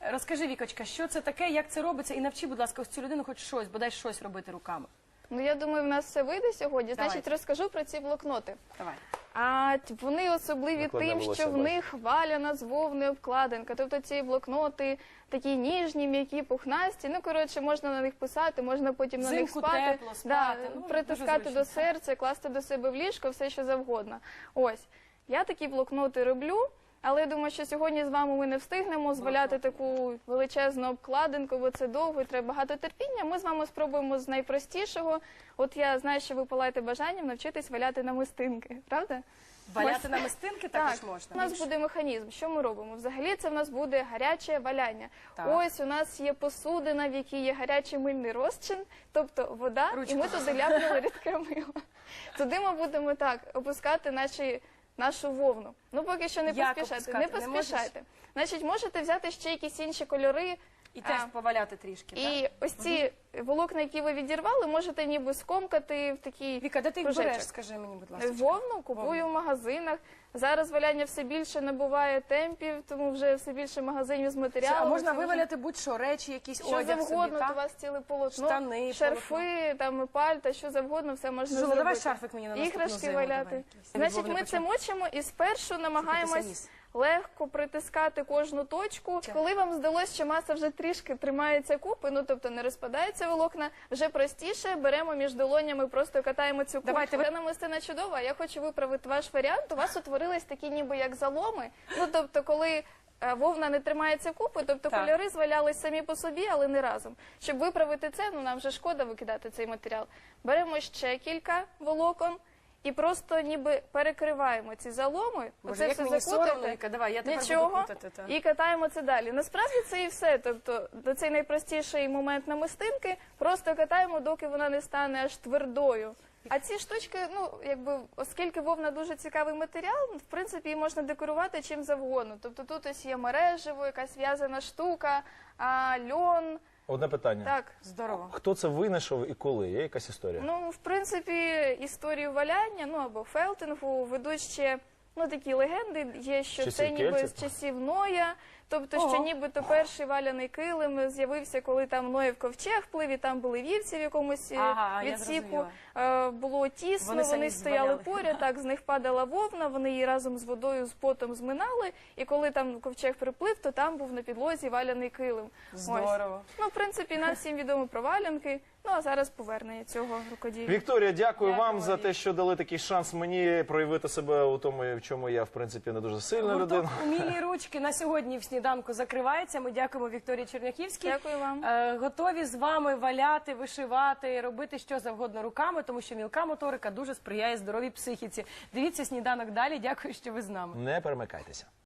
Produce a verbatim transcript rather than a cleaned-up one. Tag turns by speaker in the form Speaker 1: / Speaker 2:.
Speaker 1: Розкажи, Вікочка, що це таке, як це робиться, і навчи, будь ласка, ось цю людину хоч щось, бодай щось робити руками.
Speaker 2: Ну, я думаю, в нас все вийде сьогодні.
Speaker 1: Давайте.
Speaker 2: Значить, розкажу про ці блокноти.
Speaker 1: Давай.
Speaker 2: А вони особливі
Speaker 3: Накладне
Speaker 2: тим,
Speaker 3: волосся
Speaker 2: що в
Speaker 3: бачу.
Speaker 2: них валяна з вовни обкладинка. Тобто ці блокноти такі ніжні, м'які, пухнасті. Ну, коротше, можна на них писати, можна потім на них
Speaker 1: Взимку
Speaker 2: спати.
Speaker 1: тепло, спати.
Speaker 2: Да,
Speaker 1: Ну,
Speaker 2: притискати
Speaker 1: дуже
Speaker 2: до
Speaker 1: зручно.
Speaker 2: серця, класти до себе в ліжко, все що завгодно. Ось. Я такі блокноти роблю. Але я думаю, що сьогодні з вами ми не встигнемо зваляти таку величезну обкладинку, бо це довго і треба багато терпіння. Ми з вами спробуємо з найпростішого. От я знаю, що ви палаєте бажанням навчитись валяти намистинки, правда?
Speaker 1: Валяти
Speaker 2: Ось.
Speaker 1: намистинки також
Speaker 2: Так,
Speaker 1: можна.
Speaker 2: у нас буде механізм. Що ми робимо? Взагалі це в нас буде гаряче валяння.
Speaker 1: Так.
Speaker 2: Ось у нас є посудина, в якій є гарячий мильний розчин, тобто вода,
Speaker 1: Ручку
Speaker 2: і ми туди ляпнули рідке мило. Туди ми будемо так опускати наші нашу вовну. Ну, поки що не
Speaker 1: Як
Speaker 2: поспішайте.
Speaker 1: опускати?
Speaker 2: Не
Speaker 1: Не
Speaker 2: поспішайте. Значить, можете взяти ще якісь інші кольори.
Speaker 1: І теж
Speaker 2: а,
Speaker 1: поваляти трішки, так?
Speaker 2: І ось ці волокна, які ви відірвали, можете ніби скомкати в такий
Speaker 1: Віка, де ти їх
Speaker 2: кружечок.
Speaker 1: береш, скажи мені, будь ласка.
Speaker 2: Вовну купую в магазинах. Зараз валяння все більше набуває темпів, тому вже все більше магазинів з матеріалами.
Speaker 1: А можна
Speaker 2: Це
Speaker 1: виваляти будь-що, речі, якісь
Speaker 2: що
Speaker 1: одяг
Speaker 2: завгодно,
Speaker 1: собі,
Speaker 2: у вас ціле полотно,
Speaker 1: Штани,
Speaker 2: шарфи, там, пальта, що завгодно, все можна
Speaker 1: Жула,
Speaker 2: зробити.
Speaker 1: давай шарфик мені на наступну
Speaker 2: Іграшки
Speaker 1: зиму,
Speaker 2: валяти.
Speaker 1: давай якийсь.
Speaker 2: Значить,
Speaker 1: Вовни
Speaker 2: ми це
Speaker 1: почнемо.
Speaker 2: мочимо і спершу намагаємось
Speaker 1: ніс.
Speaker 2: легко притискати кожну точку. Коли вам здалося, що маса вже трішки тримається купи, ну тобто не розпадається волокна, вже простіше беремо між долонями, просто катаємо цю купу.
Speaker 1: Давайте ви-
Speaker 2: Це намистина чудова. Я хочу виправити ваш варіант. У вас утворились такі ніби як заломи. Ну тобто, коли е, вовна не тримається купи, тобто
Speaker 1: Так.
Speaker 2: кольори звалялись самі по собі, але не разом. Щоб виправити це, ну нам вже шкода викидати цей матеріал. Беремо ще кілька волокон. І просто ніби перекриваємо ці заломи,
Speaker 1: Боже,
Speaker 2: оце
Speaker 1: як
Speaker 2: все
Speaker 1: мені
Speaker 2: закутати,
Speaker 1: соромно, Віка, давай, я тепер буду
Speaker 2: нічого,
Speaker 1: плутати, та.
Speaker 2: і катаємо це далі. Насправді це і все, тобто до цей найпростіший момент намистинки, просто катаємо, доки вона не стане аж твердою. А ці штучки, ну, якби, оскільки вовна дуже цікавий матеріал, в принципі, її можна декорувати чим завгодно. Тобто тут ось є мережево, якась в'язана штука, а, льон,
Speaker 3: Одне питання.
Speaker 2: так.
Speaker 1: Здорово.
Speaker 3: Хто це винайшов і коли? Є якась історія?
Speaker 2: Ну, в принципі, історію валяння, ну або фелтингу ведуть ще, ну, такі легенди є, що
Speaker 3: Часів
Speaker 2: це ніби
Speaker 3: кельтів?
Speaker 2: з часів Ноя, тобто,
Speaker 1: Ого.
Speaker 2: що нібито перший валяний килим з'явився, коли там Ноєв ковчег плив, і там були вівці в якомусь е,
Speaker 1: Ага, я
Speaker 2: відсіку.
Speaker 1: зрозуміла.
Speaker 2: Е, Було тісно,
Speaker 1: Вони
Speaker 2: вони,
Speaker 1: самі
Speaker 2: стояли
Speaker 1: зваляли.
Speaker 2: поряд, так, з них падала вовна, вони її разом з водою, з потом зминали, і коли там ковчег приплив, то там був на підлозі валяний килим. Ось.
Speaker 1: Здорово.
Speaker 2: Ну, в принципі, нам всім відомо про валянки, ну, а зараз повернення цього рукоділля.
Speaker 3: Вікторія, дякую
Speaker 1: Дякую,
Speaker 3: вам за
Speaker 1: Валерій.
Speaker 3: те, що дали такий шанс мені проявити себе у тому, в чому я, в принципі, не дуже сильна
Speaker 1: Гурток
Speaker 3: людина.
Speaker 1: «Умілі ручки» на сьогодні в сніданку закривається. Ми дякуємо Вікторії Черняхівській.
Speaker 2: Дякую вам.
Speaker 1: Е, Готові з вами валяти, вишивати, робити що завгодно руками, тому що мілка моторика дуже сприяє здоровій психіці. Дивіться сніданок далі. Дякую, що ви з нами.
Speaker 3: Не перемикайтеся.